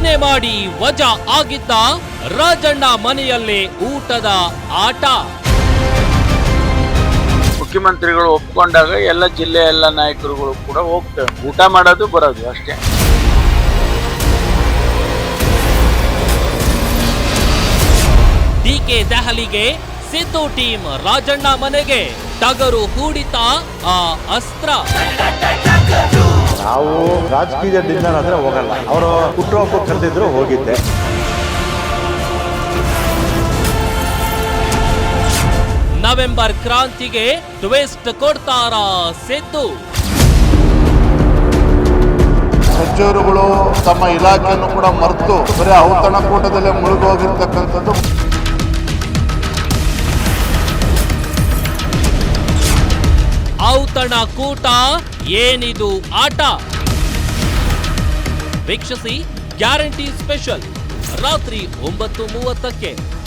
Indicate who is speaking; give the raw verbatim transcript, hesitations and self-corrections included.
Speaker 1: ಏನೇ ಮಾಡಿ ವಜಾ ಆಗಿದ್ದ ರಾಜಣ್ಣ ಮನೆಯಲ್ಲೇ ಊಟದ ಆಟ.
Speaker 2: ಮುಖ್ಯಮಂತ್ರಿಗಳು ಒಪ್ಕೊಂಡಾಗ ಎಲ್ಲ ಜಿಲ್ಲೆಯ ಎಲ್ಲ ನಾಯಕರುಗಳು ಕೂಡ ಹೋಗ್ತೇವೆ, ಊಟ ಮಾಡೋದು ಬರೋದು ಅಷ್ಟೇ.
Speaker 1: ಡಿಕೆ ದೆಹಲಿಗೆ, ಸಿದ್ದು ಟೀಮ್ ರಾಜಣ್ಣ ಮನೆಗೆ, ಟಗರು ಹೂಡಿತ ಆ ಅಸ್ತ್ರ.
Speaker 3: ನಾವು ರಾಜಕೀಯದಿಂದ ಆದ್ರೆ ಹೋಗಲ್ಲ, ಅವರು ಹುಟ್ಟುಹಬ್ಬ ಕರೆದಿದ್ರು ಹೋಗಿದ್ದೆ.
Speaker 1: ನವೆಂಬರ್ ಕ್ರಾಂತಿಗೆ ಟ್ವಿಸ್ಟ್ ಕೊಡ್ತಾರ ಸಿದ್ದು.
Speaker 4: ಸಚಿವರುಗಳು ತಮ್ಮ ಇಲಾಖೆಯನ್ನು ಕೂಡ ಮರೆತು ಬರೀ ಔತಣಕೂಟದಲ್ಲೇ ಮುಳುಗೋಗಿರ್ತಕ್ಕಂಥದ್ದು.
Speaker 1: ಔತಣಕೂಟ ಏನಿದು ಆಟ? ವೀಕ್ಷಿಸಿ ಗ್ಯಾರಂಟಿ ಸ್ಪೆಷಲ್ ರಾತ್ರಿ ಒಂಬತ್ತು ಮೂವತ್ತಕ್ಕೆ.